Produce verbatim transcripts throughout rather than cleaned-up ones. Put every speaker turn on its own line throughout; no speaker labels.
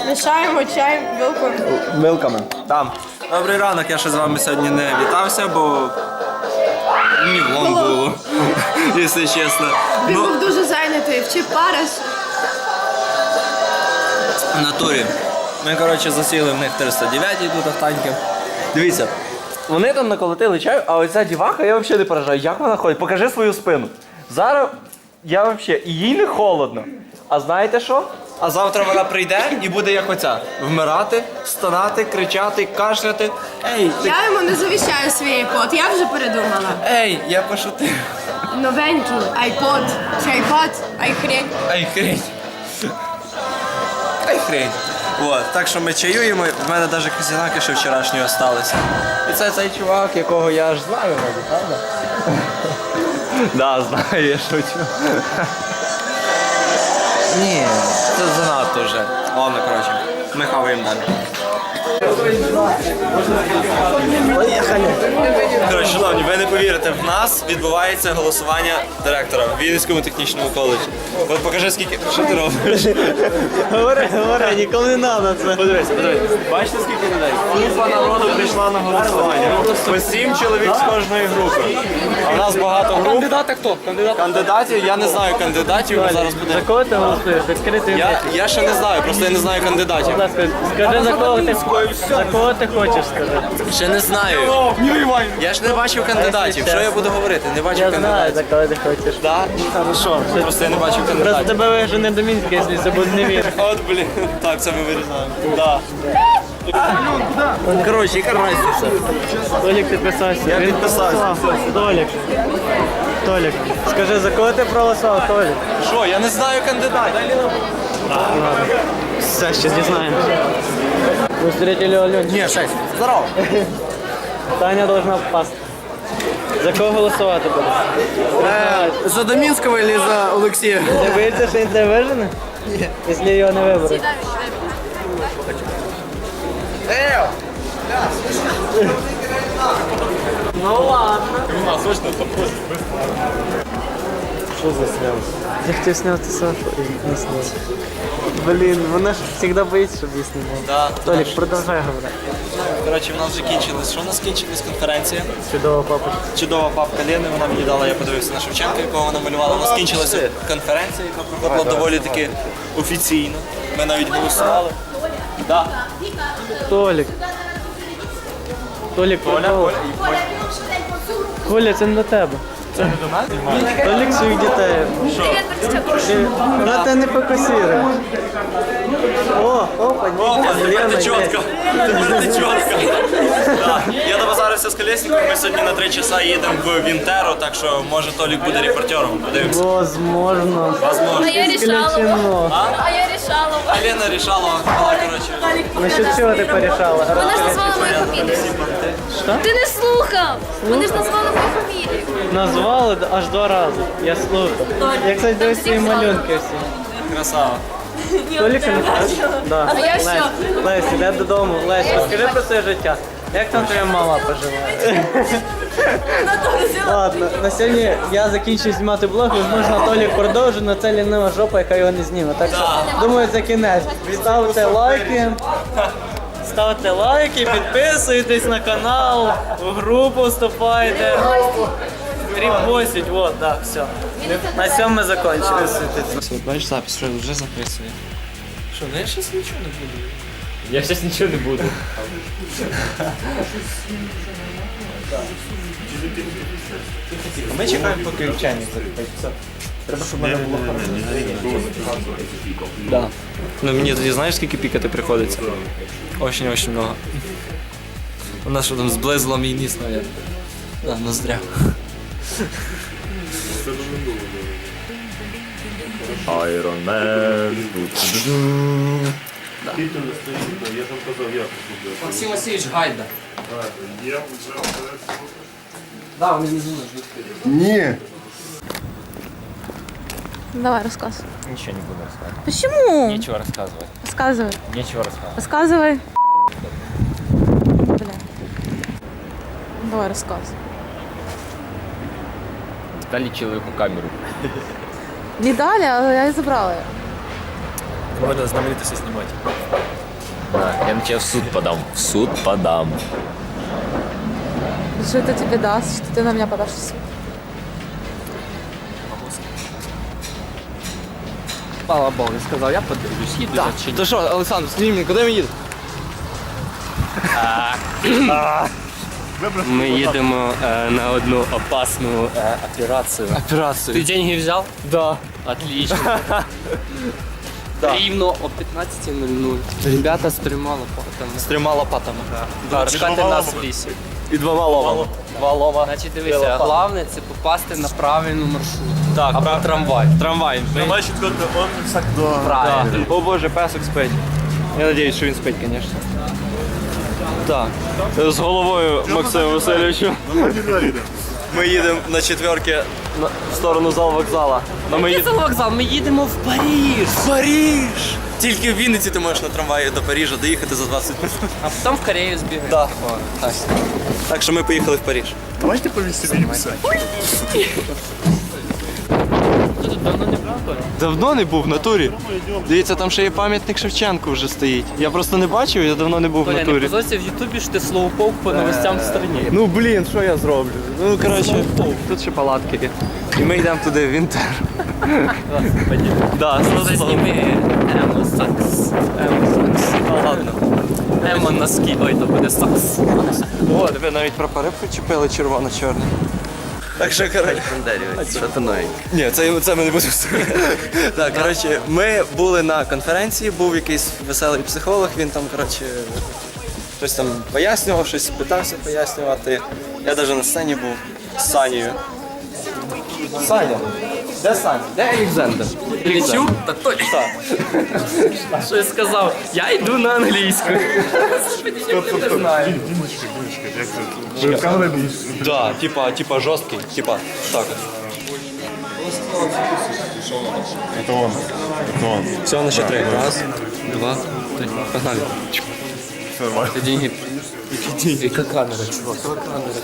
Мішаємо чай вилкою.
Вилками. Там. Добрий ранок, я ще з вами сьогодні не вітався, бо мені влом було, якщо чесно.
Він
Ну,
був дуже зайнятий, вчив париш.
в натурі. Ми, коротше, засіли в них триста дев'ятій тут автаньки. Дивіться, вони там наколотили чаю, а оця діваха, я взагалі не поражаю. Як вона ходить? Покажи свою спину. Зараз я взагалі, і їй не холодно. А знаєте що? А завтра вона прийде і буде як оця. Вмирати, стонати, кричати, кашляти. Ей, ти...
Я йому не завіщаю свій айпод, я вже передумала.
Ей, я пошутив.
Новенький айпод. Чи айпод? Айхрень.
Ай, хрень. Ай, хрень. От, так що ми чаюємо, в мене навіть казінаки ще вчорашні залишилися. І це цей чувак, якого я аж знаю, мабуть, правда? Да, знаю, я шучу. Ні, це занадто вже. Ладно, коротше, ми хаваємо далі. Поїхали. Коротше, шановні, ви не повірите, в нас відбувається голосування директора в Вінницькому технічному коледжі. От покажи, скільки. Що ти робиш?
Говори, говори, ніколи не треба це.
Подивись, подивись. Бачите, скільки людей? Купа народу прийшла на голосування. По сім чоловік з кожної групи. А в нас багато груп.
Кандидати хто? Кандидат?
Кандидатів, я не знаю кандидатів, ми зараз
За
будемо.
кого ти голосуєш? Відкритий
Я, я ще не знаю, просто я не знаю кандидатів.
Будь ласка, скажи, за кого ти, за кого ти хочеш сказати.
Ще не знаю. Я ж не бачив кандидатів. Що я буду говорити? Не бачив
Я знаю,
кандидатів.
за кого ти хочеш.
Да? Хорошо. Просто я не бачив
Просто
кандидатів.
тебе вижене до Мінська, якщо це буде не він.
От, блін. Так, це ми вирізаємо. Да. Коротше, яка разниця?
Толік підписався.
Я
Він
підписався.
Толік. Толік. Скажи, за кого ти проголосував, Толік?
Що, я не знаю кандидатів.
Ладно. Все, ще дізнаємося. Ви встретили Алёнчика?
Ні, шесть. Здорово.
Таня должна впасти. За кого голосувати будеш?
За Домінського чи за Олексія?
Ти боїшся, що він тебе вижене? Ні. Якщо його не виберуть. Ну ладно. Що за сняв? Я хотів зняти Сашу і не зняв. Блін, вона ж завжди боїться, щоб її знімав.
Да.
Толік, продовжай говорити.
Коротше, в нас вже кінчилась. Що у нас кінчилась конференція?
Чудова папа.
Чудова папка Лени, вона мені дала, я подивився на Шевченка, якого вона малювала. У нас кінчилася конференція, яка проходила доволі таки офіційно. Ми навіть голосували. Да.
Толік. Толік, Коля, Коля, це не до тебе.
Це не до нас?
Толік своїх дітей. Ти- Вона тебе не фокусує. О, опа,
Опа,
Лена,
тепер ти чітко.
є.
Тепер ти чітко. Да. Я добазарився з колесником, ми сьогодні на три часа їдемо в Вінтеро, так що може Толік буде репортером. Подивимося.
Возможно.
Возможно.
Я решала.
Исключено.
А я решала.
А Лена рішала, вона, коротше.
Насчет чого ти порішала?
Вона ж назвала мою фамілію.
Що?
Ти не слухав. Вони ж назвали мою фамілію.
Назвали аж два рази. Я слухав. Я, кстати, дивись свої малюнки всі.
Красава.
Толіка не знаєш? Да.
А я все.
Лесь, іде додому. Лесь, розкажи про своє життя. Як там твоя мама поживає? Ладно, на сьогодні я закінчую знімати блог, можливо, Толік продовжить, але це лінива жопа, яка його не зніме. Так що, думаю, це кінець. Ставте лайки. Ставте лайки, підписуйтесь на канал, в групу вступайте. Репостіть, вот, так, все. На цьому ми закінчили.
Бачиш запис, що вже записує. Що, ну я щось нічого не буду.
Я зараз нічого не буду.
Ми чекаємо, поки чайник закипить. Все. Треба, щоб мене було Да. Ну мені тоді знаєш, скільки пікати приходиться? Очень-очень много. У нас що там зблизило мій ніс, навіть. Да, ноздря.
Iron Man.
Максим Васильович Гайда.
Ні.
Давай, рассказывай.
Ничего не буду рассказывать.
Почему?
Нечего рассказывать.
Рассказывай.
Нечего рассказывать.
Рассказывай. Бля. Давай, рассказывай.
Дали человеку камеру.
Не дали, а я и забрала ее.
Можно знаменитости снимать. Да, я на тебя в суд подам. В суд подам.
Что это тебе даст, что ты на меня подашь в суд?
Слава Богу, сказав, я подивлюсь, їду
Так,
чи ні.
то що, Олександр, скажи мені, куди ми їдемо?
Ми їдемо е, на одну опасну е, операцію.
Операцію.
Ти деньги взяв?
Да.
Отлично. Рівно о п'ятнадцятій нуль нуль. Ребята з трьома лопатами.
З трьома лопатами.
Да, чекати нас в лісі.
І двома ломами. Два лома.
Значить, дивися, головне це попасти на правильну маршрут.
Так,
Або
прав-
трамвай.
Трамвай.
Давай четвертый, он так до...
Правильно.
О боже, песик спить. Я надіюсь, що він спить, звісно. Так. З головою Максиму Васильовичу. Ми їдемо на четверки на- в сторону зал вокзала. Но ми
Який
їдемо...
це вокзал? Ми їдемо в Париж.
В Париж! Тільки в Вінниці ти можеш на трамваї до Парижа доїхати за двадцять минут.
А потім в Корею збігаємо.
Так. Так. Так що ми поїхали в Париж.
Давайте повеселимся.
Ти тут давно не брав, Коля?
Давно не був в натурі. Дивіться, там ще є пам'ятник Шевченку вже стоїть. Я просто не бачив, я давно не був в
Коля, не
натурі.
позорься в Ютубі, що ти слоуполк по новостям в страні.
Ну блін, що я зроблю? Ну коротше, тут ще палатки є. І ми йдемо туди в Вінтер. Да,
Це зніми Емо Сакс. Емо Сакс.
Ну ладно.
Емо носки. Ой, то буде Сакс.
О, тебе навіть прапори причепили червоно-чорний. Так що, коротше. Ні, це, це ми не будемо слухати. Так, коротше, ми були на конференції, був якийсь веселий психолог, він там, коротше, щось там пояснював, щось питався пояснювати. Я навіть на сцені був з Санєю. Саня, де Саня? Де Олександр?
Лічу? Та той.
Так.
Що я сказав? Я йду на англійську. Не знаю.
Димочка, Димочка, як це? Ви в камері будеш?
Да, типа, типа жорсткий, типа, так.
Это он. Это он.
Все, на счет три. Раз, два, три. Погнали.
Все нормально.
Деньги. Яка камера, чувак? Яка камера?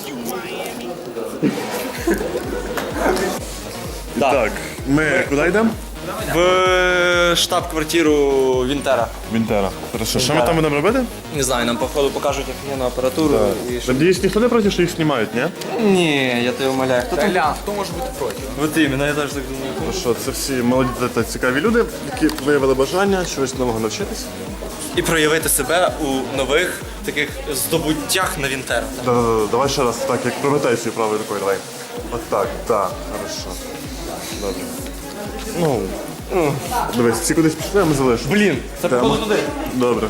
Так, ми куди йдемо?
В штаб-квартиру Вінтера.
Вінтера. Хорошо, що ми там будемо робити?
Не знаю, нам походу покажуть офігенну апаратуру. І що...
Надіюсь, ніхто не проти, що їх знімають, ні?
Ні, я тебе умоляю. Хто там?
Ля, хто може бути проти?
Вот іменно, я теж так думаю.
Ну що, це всі молоді та цікаві люди, які виявили бажання чогось нового навчитись.
І проявити себе у нових таких здобуттях на Вінтера.
Да-да-да, давай ще раз, так, як прометай свою правою рукою, давай. От так, так, хорошо. Добре. Ну, дивись, всі кудись пішли, а ми залишимо.
Блін, це
Тема.
походу туди.
Добре.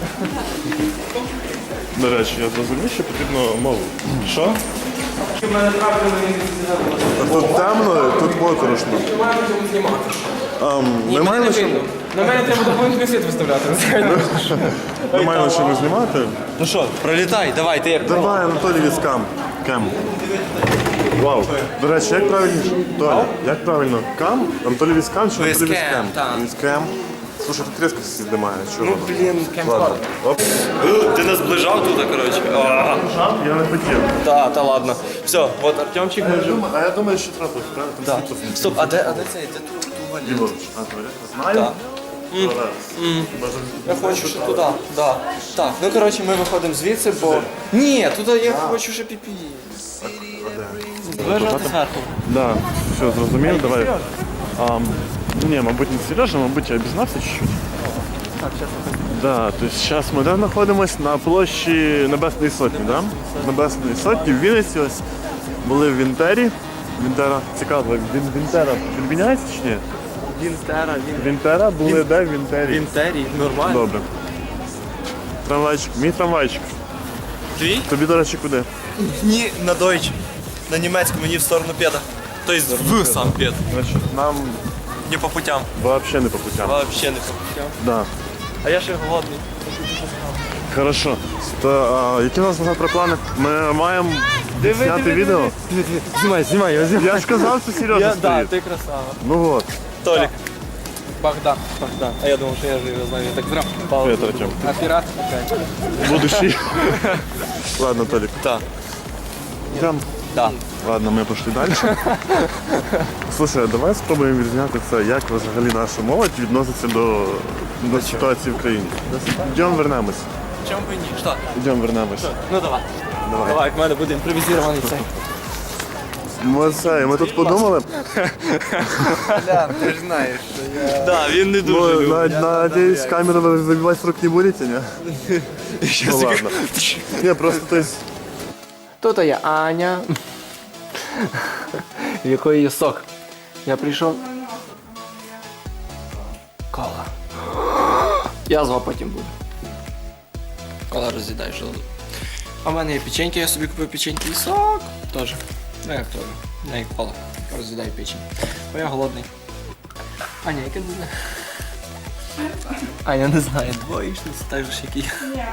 До речі, я зрозумів, що потрібно мову. Що? Тут темно, тут моторошно. Ам, Ми маємо що
На мене треба доповнительний світ виставляти.
ми маємо що знімати.
Ну що, пролітай, давай, ти як.
Давай, Анатолій Віскам. Кем. Вау. До речі, як правильніше? Толя, як правильно? Кам? Анатолій Віскам чи Анатолій
Віскем,
Віскам?
так.
Віскам. Слушай, тут різко знімає. Чого?
Ну, блін,
Ладно. Оп.
Ти нас зближав тут, коротше. А,
Я не хотів.
Та, та ладно. Все, от Артемчик ми вже.
А я думаю, що трапилось, правильно? Там
Так.
світло
Стоп, а де, а де цей? Де тут туалет?
Ліворуч. Анатолій, знаю.
Так.
Зараз.
Я хочу ще туди, да. Так, ну коротше, ми виходимо звідси, бо. Ні, туди я хочу ще піпі. Вижати зверху.
Да, все, зрозумів, давай. Ам, ні, мабуть, не Сережа, мабуть, я обізнався чуть-чуть. Да, то есть зараз ми де знаходимося на площі Небесної Сотні, да? Небесної Сотні в Вінниці ось були в Вінтері. Вінтера, цікаво, він, Вінтера відміняється чи ні?
Вінтера, він.
Вінтера були де в Вінтері?
Вінтері, нормально.
Добре. Трамвайчик, мій трамвайчик.
Твій?
Тобі, до речі, куди?
Ні, на дойч. На німецькому, мені в сторону педа. Тобто в сам пед.
Значить, нам
Не по путям.
взагалі не по путям.
Вообще не по путям.
Да.
А я ще голодний.
Хорошо. То, а, які у нас завтра плани? Ми маємо зняти відео.
Знімай, знімай, я знімаю.
Я ж казав, що Сережа
Я, да,
стоїть.
ти красава.
Ну от.
Толік.
Богдан.
Богдан. А я думав, що я ж його знаю. Я так зрав.
Привіт, Артем.
Оператор.
Будущий. Ладно, Толік.
Так.
Йдем.
Да.
Ладно, ми пішли далі. Слушай, а давай спробуємо відзняти це, як взагалі наша молодь відноситься до, до ситуації в країні. Йдемо вернемось.
Чому б і ні? Що?
Йдемо вернемось.
Ну давай.
Давай.
Давай, в мене буде імпровізований цей.
Ми, це, ми тут подумали,
Да, він не
ну, на- надіюсь, камеру ви вибивати з рук не будете, ні? Ну ладно. Ні, просто то есть,
Тут є Аня, в якої є сок. Я прийшов. Кола. Язва потім буде. Кола роз'їдай желудок. А в мене є печеньки, я собі купив печеньки і сок. Тоже. Ну як теж. Не як кола. Роз'їдай печень. Бо я голодний. Аня, яке не знаю. Аня не знає, двоєчниця, так же ж як і я.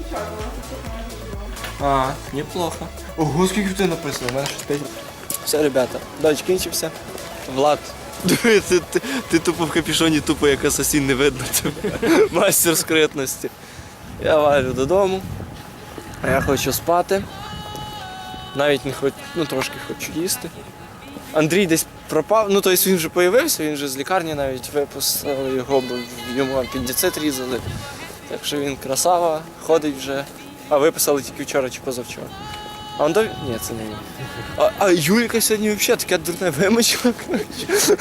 А, неплохо. Ого, скільки в тебе написано, у мене щось п'ять. Все, ребята, дощ кінчився. Влад. Диви, ти, ти, ти тупо в капюшоні, тупо як асасін, не видно тебе. Мастер скритності. Я валю додому. А я хочу спати. Навіть не хочу, ну трошки хочу їсти. Андрій десь пропав, ну тобто він вже появився, він вже з лікарні навіть випустили його, бо йому апендицит різали. Так що він красава, ходить вже. А виписали тільки вчора чи позавчора. А он до... Ні, це не він. А, а Юлька сьогодні взагалі таке дурне вимочила, коротше.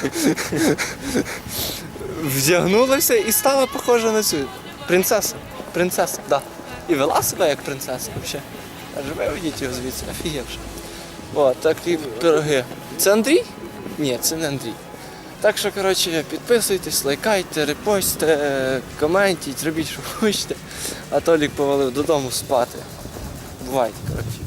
Вдягнулася і стала похожа на цю. Принцеса. Принцеса, так. Да. І вела себе як принцеса взагалі. Аж виведіть його звідси, офігевши. О, такі пироги. Це Андрій? Ні, це не Андрій. Так що, коротше, підписуйтесь, лайкайте, репостите, коментіть, робіть, що хочете. А Толік повалив додому спати. Бувайте, коротше.